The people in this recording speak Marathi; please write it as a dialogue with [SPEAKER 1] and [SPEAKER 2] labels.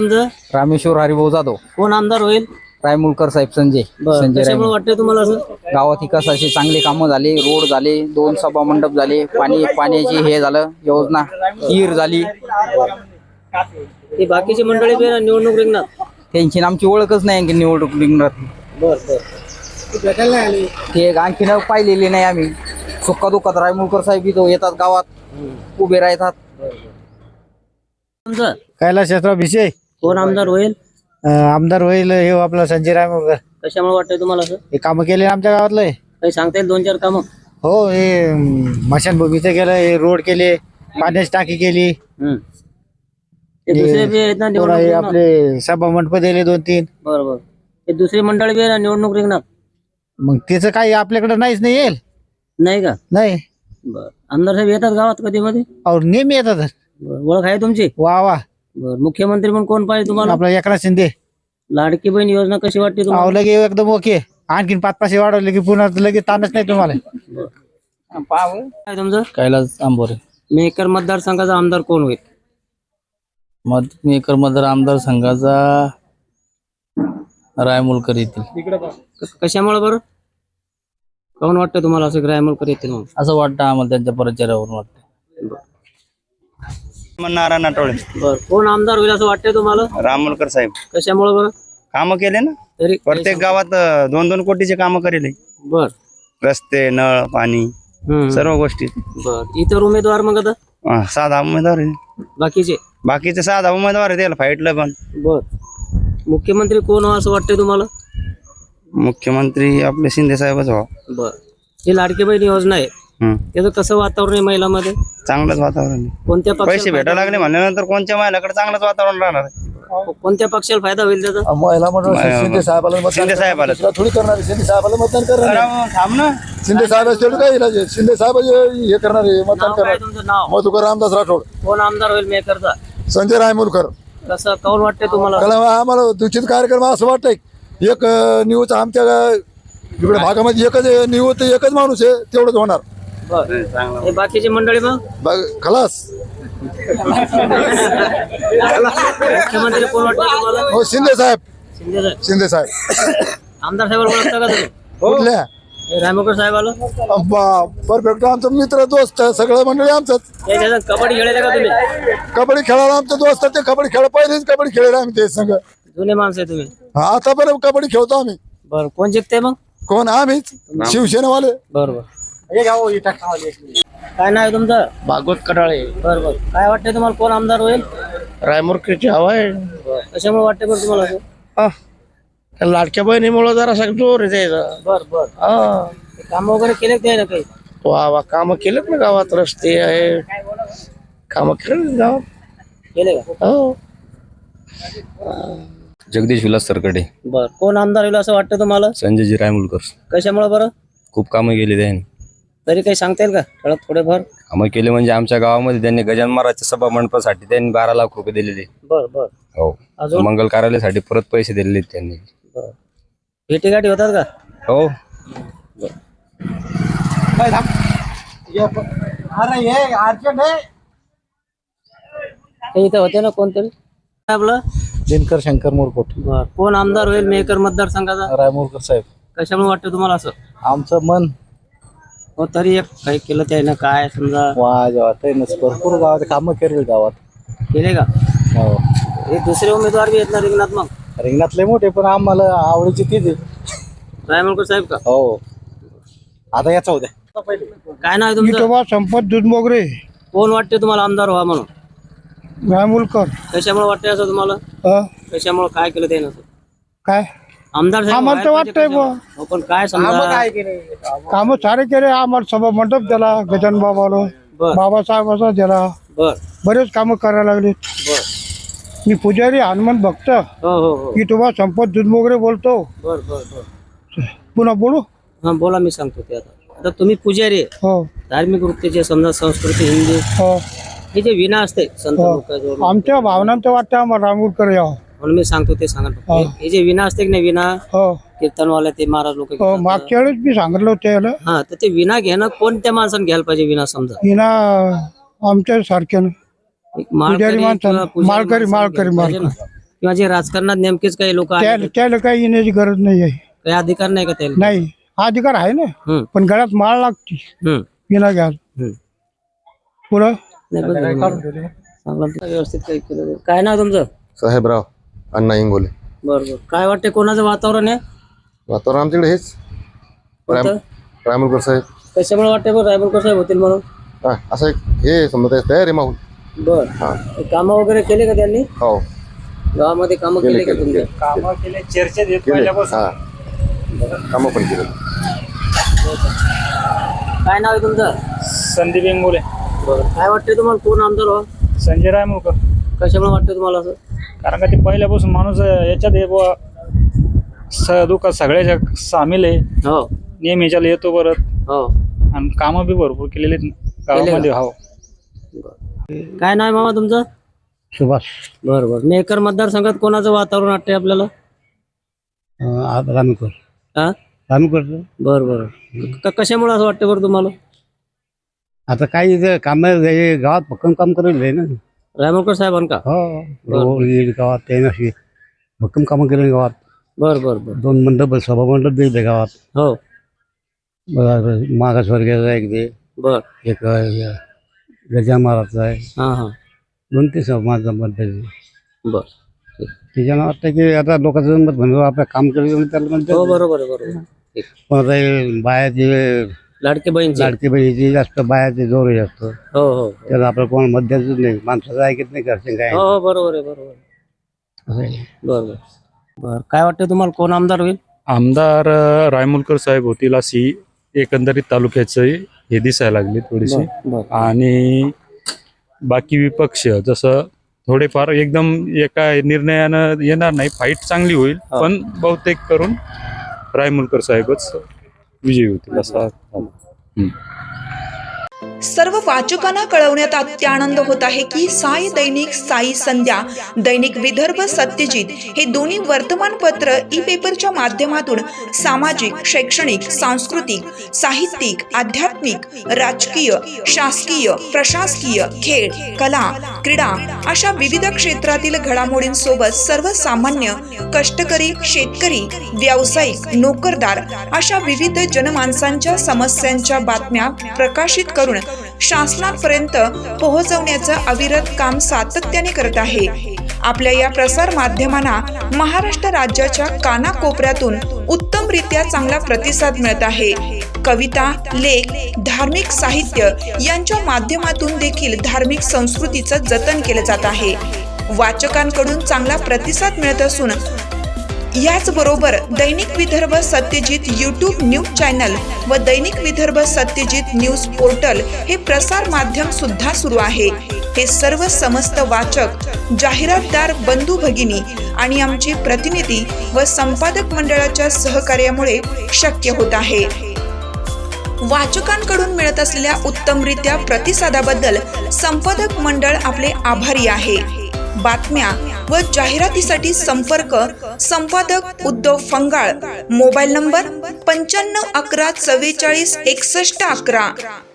[SPEAKER 1] तुमचं?
[SPEAKER 2] रामेश्वर हरिभाऊ जाधव.
[SPEAKER 1] कोण आमदार होईल?
[SPEAKER 2] रायमुलकर साहेब संजय
[SPEAKER 1] कशामुळे
[SPEAKER 2] रायमुल.
[SPEAKER 1] वाटतंय तुम्हाला असं?
[SPEAKER 2] गावात विकासाचे चांगले कामं झाले, रोड झाले, 2 सभा मंडप झाले, पाण्याची हे झालं, योजना हिर झाली.
[SPEAKER 1] हे बाकीची मंडळी बी निवडणूक रिंगणात.
[SPEAKER 2] त्यांची आणि आमची ओळखच नाही आणखी निवडणूक रिंगणात. ते आणखी पाहिलेली नाही आम्ही. सुखा दुःखात रायमुलकर साहेब इथं येतात, गावात उभे राहतात.
[SPEAKER 1] तुमचं
[SPEAKER 3] कैलासराव भिसे
[SPEAKER 1] कोण आमदार होईल?
[SPEAKER 3] आमदार होईल हे आपला संजय रायमुलकर.
[SPEAKER 1] कशामुळे वाटतंय तुम्हाला असं?
[SPEAKER 3] हे काम केले आमच्या गावातलं.
[SPEAKER 1] काही सांगता येईल 2-4 कामं?
[SPEAKER 3] हो, हे मशानभूमीचं केलं, हे रोड केले, पाण्याची टाकी केली,
[SPEAKER 1] ते दुसरे बी आहेत ना निवडणूक
[SPEAKER 3] हे
[SPEAKER 1] रिंगणात?
[SPEAKER 3] आपले सभा मंडप दिले 2-3.
[SPEAKER 1] बरोबर. ते दुसरी मंडळी बी आहे ना निवडणूक रिंगणात?
[SPEAKER 3] मग त्याचं काही आपल्याकडे नाहीच नाही येईल.
[SPEAKER 1] नाही का?
[SPEAKER 3] नाही.
[SPEAKER 1] बर. आमदार साहेब येतात गावात कधी मध्ये?
[SPEAKER 3] और नेहमी येतात.
[SPEAKER 1] ओळख आहे तुमची?
[SPEAKER 3] वा वा.
[SPEAKER 1] बर. मुख्यमंत्री म्हणून कोण पाहिजे तुम्हाला?
[SPEAKER 3] आपला एकनाथ शिंदे.
[SPEAKER 1] लाडकी बहीण योजना कशी वाटते तुम्हाला?
[SPEAKER 3] लगे एकदम ओके. आणखीन 5-5 वाढवले की पुन्हा लगेच ताणच नाही तुम्हाला.
[SPEAKER 1] काय तुमचं?
[SPEAKER 2] कैलास आंबोरे.
[SPEAKER 1] मेकर मतदारसंघाचा आमदार कोण होईल?
[SPEAKER 2] मेकर मतदार आमदार संघाचा रायमुलकर येतील.
[SPEAKER 1] कशामुळे बरं? कोण वाटतं तुम्हाला असं रायमुलकर येतील म्हणून?
[SPEAKER 2] असं वाटतं आम्हाला, त्यांच्या प्रचारावरून वाटतं.
[SPEAKER 4] नारायण आठवले.
[SPEAKER 1] बर. कोण आमदार होईल असं वाटतंय तुम्हाला?
[SPEAKER 4] रामोलकर साहेब
[SPEAKER 1] कशामुळे बरं?
[SPEAKER 4] काम केले ना,
[SPEAKER 1] तरी
[SPEAKER 4] प्रत्येक गावात 2-2 कोटीचे काम करेले.
[SPEAKER 1] बर.
[SPEAKER 4] रस्ते, नळ, पाणी, सर्व गोष्टी.
[SPEAKER 1] बर. इतर उमेदवार मग आता
[SPEAKER 4] 6 उमेदवार आहे.
[SPEAKER 1] बाकीचे
[SPEAKER 4] 6 उमेदवार आहे, त्याला फाईटला पण.
[SPEAKER 1] बर. मुख्यमंत्री कोण हो असं वाटतंय तुम्हाला?
[SPEAKER 4] मुख्यमंत्री आपले शिंदे साहेबच व्हा.
[SPEAKER 1] बर. ही लाडकी बहीण योजना आहे, त्याचं कसं वातावरण आहे महिलांमध्ये?
[SPEAKER 4] चांगलंच वातावरण आहे.
[SPEAKER 1] कोणत्या
[SPEAKER 4] पैसे
[SPEAKER 1] पक्षाला
[SPEAKER 4] भेटायला लागले म्हणल्यानंतर कोणत्या महिलाकडे चांगलंच वातावरण राहणार आहे.
[SPEAKER 1] कोणत्या पक्षाला फायदा होईल त्याचा?
[SPEAKER 3] महिला म्हणून शिंदे साहेबाला
[SPEAKER 4] शिंदे साहेबाला
[SPEAKER 3] थोडी करणार. शिंदे साहेबाला मतदान करणार.
[SPEAKER 4] थांब ना.
[SPEAKER 3] शिंदे साहेब काय इलाज आहे? शिंदे साहेब हे करणार आहे, मतदान
[SPEAKER 1] नाव काय
[SPEAKER 3] करणार.
[SPEAKER 1] तुमचं नाव?
[SPEAKER 3] मधुकर रामदास राठोड.
[SPEAKER 1] कोण आमदार होईल मेकरचा?
[SPEAKER 3] संजय रायमुलकर.
[SPEAKER 1] कसं कोण वाटतंय तुम्हाला?
[SPEAKER 3] कारण आम्हाला दूषित कार्यक्रम असं वाटतंय, एक न्यूज आमच्या इकडे भागामध्ये एकच माणूस आहे, तेवढंच होणार.
[SPEAKER 1] बर. हे बाकीची मंडळी मग
[SPEAKER 3] खलास.
[SPEAKER 1] मुख्यमंत्री कोण वाटतंय तुम्हाला?
[SPEAKER 3] हो, शिंदे साहेब.
[SPEAKER 1] शिंदे साहेब.
[SPEAKER 3] शिंदे साहेब.
[SPEAKER 1] आमदार साहेबाला ओळखता का तुम्ही?
[SPEAKER 3] कुठल्या?
[SPEAKER 1] हे रायमुलकर साहेबाला?
[SPEAKER 3] परफेक्ट. आमचा मित्र दोस्त सगळं मंडळी आमचंच.
[SPEAKER 1] त्याच्यात कबड्डी खेळायला का तुम्ही?
[SPEAKER 3] कबड्डी खेळायला आमचे दोस्त, ते कबड्डी खेळ पहिलेच कबड्डी खेळायला आम्ही ते संघ.
[SPEAKER 1] जुने माणसं आहे तुम्ही?
[SPEAKER 3] आतापर्यंत कबड्डी खेळतो आम्ही.
[SPEAKER 1] बर. कोण जिंकते मग?
[SPEAKER 3] कोण? आम्हीच, शिवसेनावाले.
[SPEAKER 1] बरोबर. काय नाव आहे तुमचं?
[SPEAKER 4] भागवत कडाळे.
[SPEAKER 1] बरोबर. काय वाटतंय तुम्हाला कोण आमदार होईल?
[SPEAKER 4] रायमुलकरची हवा आहे.
[SPEAKER 1] कशामुळे वाटतंय बरं तुम्हाला असं?
[SPEAKER 4] लाडक्या बहिणीमुळे जरा जोर आहे त्याचा.
[SPEAKER 1] बर बर. काम वगैरे केले ते ना काही?
[SPEAKER 4] वा काम केलेत ना गावात, रस्ते आहे, काम केले गावात.
[SPEAKER 1] केले का?
[SPEAKER 4] हो.
[SPEAKER 5] जगदीश विलास सरकडे.
[SPEAKER 1] बर. कोण आमदार होईल असं वाटतं तुम्हाला?
[SPEAKER 5] संजयजी रायमुलकर.
[SPEAKER 1] कशामुळे बरं?
[SPEAKER 5] खूप कामं केली त्यांनी.
[SPEAKER 1] तरी काही सांगता येईल का ठळक थोडेफार?
[SPEAKER 5] कामं केले म्हणजे आमच्या गावामध्ये त्यांनी गजानन महाराजच्या सभा मंडपासाठी त्यांनी 12 लाख रुपये दिलेले.
[SPEAKER 1] बर बर.
[SPEAKER 5] हो.
[SPEAKER 1] अजून?
[SPEAKER 5] मंगल कार्यालयासाठी परत पैसे दिलेले त्यांनी.
[SPEAKER 1] बर. भेटीगाठी होतात का?
[SPEAKER 5] हो.
[SPEAKER 1] इथं होते ना कोणतरी आपलं?
[SPEAKER 3] दिनकर शंकर मोरकोट.
[SPEAKER 1] बर. कोण आमदार होईल मेकर मतदारसंघाचा?
[SPEAKER 3] रायमुलकर साहेब.
[SPEAKER 1] कशामुळे वाटतं तुम्हाला असं?
[SPEAKER 3] आमचं मन
[SPEAKER 1] हो. तरी एक काही केलं त्यानं काय समजा
[SPEAKER 3] भरपूर गावात कामं केले गावात.
[SPEAKER 1] केले का?
[SPEAKER 3] हो.
[SPEAKER 1] हे दुसरे उमेदवार बी आहेत ना रिंगणात मग?
[SPEAKER 3] रिंगणातले मोठे, पण आम्हाला आवडीची तीच आहे.
[SPEAKER 1] रायमुलकर साहेब का?
[SPEAKER 3] हो. आता याचा होत्या.
[SPEAKER 1] काय नाव आहे तुमचं?
[SPEAKER 3] संपत दुधमोगरे.
[SPEAKER 1] कोण वाटते तुम्हाला आमदार व्हा म्हणून?
[SPEAKER 3] रायमुलकर.
[SPEAKER 1] कशामुळे वाटतंय असं तुम्हाला? कशामुळे काय केलं त्यानं असं?
[SPEAKER 3] काय
[SPEAKER 1] आमदार साहेब
[SPEAKER 3] आम्हाला तर
[SPEAKER 1] व्हायला
[SPEAKER 3] वाटतंय
[SPEAKER 1] पाहिजे कशामुळे? हो, पण काय समजा
[SPEAKER 3] काम सारे केले. आम्हाला सभा मंडप दिला गजान बाबाला,
[SPEAKER 1] बर
[SPEAKER 3] बाबासाहेबाचा दिला.
[SPEAKER 1] बर
[SPEAKER 3] बरेच कामं करायला लागले.
[SPEAKER 1] बर.
[SPEAKER 3] मी पुजारी हनुमान भक्त.
[SPEAKER 1] हो हो हो.
[SPEAKER 3] मी तुम्हाला संपत दुधमोगरे बोलतो.
[SPEAKER 1] बर बर बर.
[SPEAKER 3] पुन्हा बोलू?
[SPEAKER 1] हा बोला. मी सांगतो ते आता तुम्ही पुजारी आहे,
[SPEAKER 3] हो
[SPEAKER 1] धार्मिक वृत्तीचे समजा संस्कृती हिंदी
[SPEAKER 3] हो.
[SPEAKER 1] हे जे विना असते संत
[SPEAKER 3] हो.
[SPEAKER 1] लोकांजवळ,
[SPEAKER 3] आमच्या भावनांचं वाटतं आम्हाला रामूरकर यावं.
[SPEAKER 1] म्हणून मी सांगतो ते सांगा.
[SPEAKER 3] हो.
[SPEAKER 1] हे जे विना असते की नाही, विना
[SPEAKER 3] हो
[SPEAKER 1] कीर्तनवाले ते महाराज लोक
[SPEAKER 3] हो. मागच्या वेळेस मी सांगितलं होतं याला.
[SPEAKER 1] हा, तर ते विना घेणं कोणत्या माणसाने घ्यायला पाहिजे? विना समजा
[SPEAKER 3] हिना आमच्या सारख्यानं
[SPEAKER 1] एक माळकरी
[SPEAKER 3] पुजारी माणसानं.
[SPEAKER 1] किंवा पुजारी
[SPEAKER 3] माळकरी
[SPEAKER 1] माणसाने
[SPEAKER 3] माळकरी
[SPEAKER 1] घ्यायला पाहिजे
[SPEAKER 3] माळकरी.
[SPEAKER 1] ना. किंवा जे राजकारणात नेमकेच काही लोक काही
[SPEAKER 6] त्याला काही येण्याची गरज नाही आहे.
[SPEAKER 1] अधिकार नाही का त्याला?
[SPEAKER 6] नाही, हा अधिकार आहे ना,
[SPEAKER 1] हम्म,
[SPEAKER 6] पण गळ्यात माळ लागते
[SPEAKER 1] हम्म,
[SPEAKER 6] विना घ्या
[SPEAKER 1] हम्म.
[SPEAKER 6] पुढं.
[SPEAKER 1] नाही, चांगलं व्यवस्थित काही केलं नाही. काय नाव तुमचं?
[SPEAKER 7] साहेबराव अण्णा इंगोले.
[SPEAKER 1] बरोबर. काय वाटते कोणाचं वातावरण आहे?
[SPEAKER 7] वातावरण आमच्याकडे हेच
[SPEAKER 1] कोणतं?
[SPEAKER 7] रायमुलकर साहेब.
[SPEAKER 1] कशामुळे वाटते बरं रायमुलकर साहेब होतील म्हणून?
[SPEAKER 7] हा, असं एक हे समजा तयार आहे माहूल.
[SPEAKER 1] बर.
[SPEAKER 7] हा.
[SPEAKER 1] कामं वगैरे केले का त्यांनी?
[SPEAKER 7] हो
[SPEAKER 1] गावामध्ये कामं केले का तुमच्या?
[SPEAKER 7] हा कामं पण केलं.
[SPEAKER 1] काय नाव आहे तुमचं?
[SPEAKER 8] संदीप इंगोले.
[SPEAKER 1] बरं. काय वाटते तुम्हाला कोण आमदार हो?
[SPEAKER 8] संजय रायमुलकर.
[SPEAKER 1] कशामुळे वाटतं तुम्हाला असं?
[SPEAKER 8] कारण का ते पहिल्यापासून माणूस याच्यात आहे बुवा, दुःखात सगळ्याच्या सामील आहे,
[SPEAKER 1] हो
[SPEAKER 8] नेहमी याच्याला येतो परत,
[SPEAKER 1] हो.
[SPEAKER 8] आणि कामं बी भरपूर केलेली आहेत गावामध्ये. हो.
[SPEAKER 1] काय नाव आहे मामा तुमचं?
[SPEAKER 6] सुभाष
[SPEAKER 1] बरोबर. मेकर मतदारसंघात कोणाचं वातावरण वाटते आपल्याला?
[SPEAKER 6] रामकर
[SPEAKER 1] हा,
[SPEAKER 6] रामकर.
[SPEAKER 1] बरोबर. कशामुळे असं वाटतं बरं तुम्हाला?
[SPEAKER 6] आता काही काम गावात भक्कम काम करेल ना.
[SPEAKER 1] रायमुलकर साहेबांका?
[SPEAKER 6] हो, गावात त्याने भक्कम कामं केले गावात.
[SPEAKER 1] बर बर बर.
[SPEAKER 6] 2 मंडप, सभा मंडप दिले गावात.
[SPEAKER 1] हो.
[SPEAKER 6] मागासवर्गीयाचा एक दे,
[SPEAKER 1] बर.
[SPEAKER 6] एक गजान महाराजचा आहे,
[SPEAKER 1] हा हा.
[SPEAKER 6] 2-3 समाज मंडळ.
[SPEAKER 1] बर.
[SPEAKER 6] त्याच्यानं वाटतं की आता लोकांचं मत म्हणून आपलं काम केलं त्याला
[SPEAKER 1] हो
[SPEAKER 6] म्हणतात.
[SPEAKER 1] बरोबर आहे, बरोबर.
[SPEAKER 6] पण आता हे बायाचे
[SPEAKER 1] लाडके बहीणचे.
[SPEAKER 6] लाडकी बहिणीचे जास्त बायाचे जोर जास्त,
[SPEAKER 1] हो हो
[SPEAKER 6] त्याला आपलं कोण मत द्यायचं नाही, माणसाचं ऐकत नाही, घरचे काय.
[SPEAKER 1] हो हो, बरोबर आहे, बरोबर.
[SPEAKER 6] असं आहे.
[SPEAKER 1] बरोबर. बर. काय वाटतं तुम्हाला कोण आमदार होईल?
[SPEAKER 9] आमदार रायमुलकर साहेब होतील अशी एकंदरीत तालुक्याचं हे दिसायला लागले थोडीशी.
[SPEAKER 1] बर.
[SPEAKER 9] आणि बाकी विपक्ष जसं थोडेफार एकदम एका निर्णयानं येणार नाही, फाईट चांगली होईल, पण बहुतेक करून रायमुलकर साहेबच विजयी होतील असा.
[SPEAKER 10] सर्व वाचकांना कळवण्यात अत्यानंद होत आहे की साई दैनिक, साई संध्या, दैनिक विदर्भ सत्यजित हे दोन्ही वर्तमानपत्र ई पेपरच्या माध्यमातून सामाजिक, शैक्षणिक, सांस्कृतिक, साहित्यिक, आध्यात्मिक, राजकीय, शासकीय, प्रशासकीय, खेळ, कला, क्रीडा अशा विविध क्षेत्रातील घडामोडींसोबत सर्वसामान्य, कष्टकरी, शेतकरी, व्यावसायिक, नोकरदार अशा विविध जनमानसांच्या समस्यांच्या बातम्या प्रकाशित करून शासनापर्यंत पोहोचवण्याचं अविरत काम सातत्याने करत आहे. आपल्या या प्रसार माध्यमांना महाराष्ट्र राज्याच्या कानाकोपऱ्यातून उत्तमरित्या चांगला प्रतिसाद मिळत आहे. कविता, लेख, धार्मिक साहित्य यांच्या माध्यमातून देखील धार्मिक संस्कृतीचं जतन केलं जात आहे. वाचकांकडून चांगला प्रतिसाद मिळत असून याचबरोबर Dainik Vidarbha Satyajit YouTube news channel व दैनिक विदर्भ सत्यजित न्यूज पोर्टल हे प्रसार माध्यम सुद्धा सुरू आहे. हे सर्व समस्त वाचक, जाहिरातदार बंधू भगिनी आणि आमचे प्रतिनिधी व संपादक मंडळाच्या सहकार्यामुळे शक्य होत आहे. वाचकांकडून मिळत असलेल्या उत्तमरित्या प्रतिसादाबद्दल संपादक मंडळ आपले आभारी आहे. बातम्या व जाहिरातीसाठी संपर्क संपादक उद्धव फंगाळ, मोबाईल नंबर 95 11 44 61 11.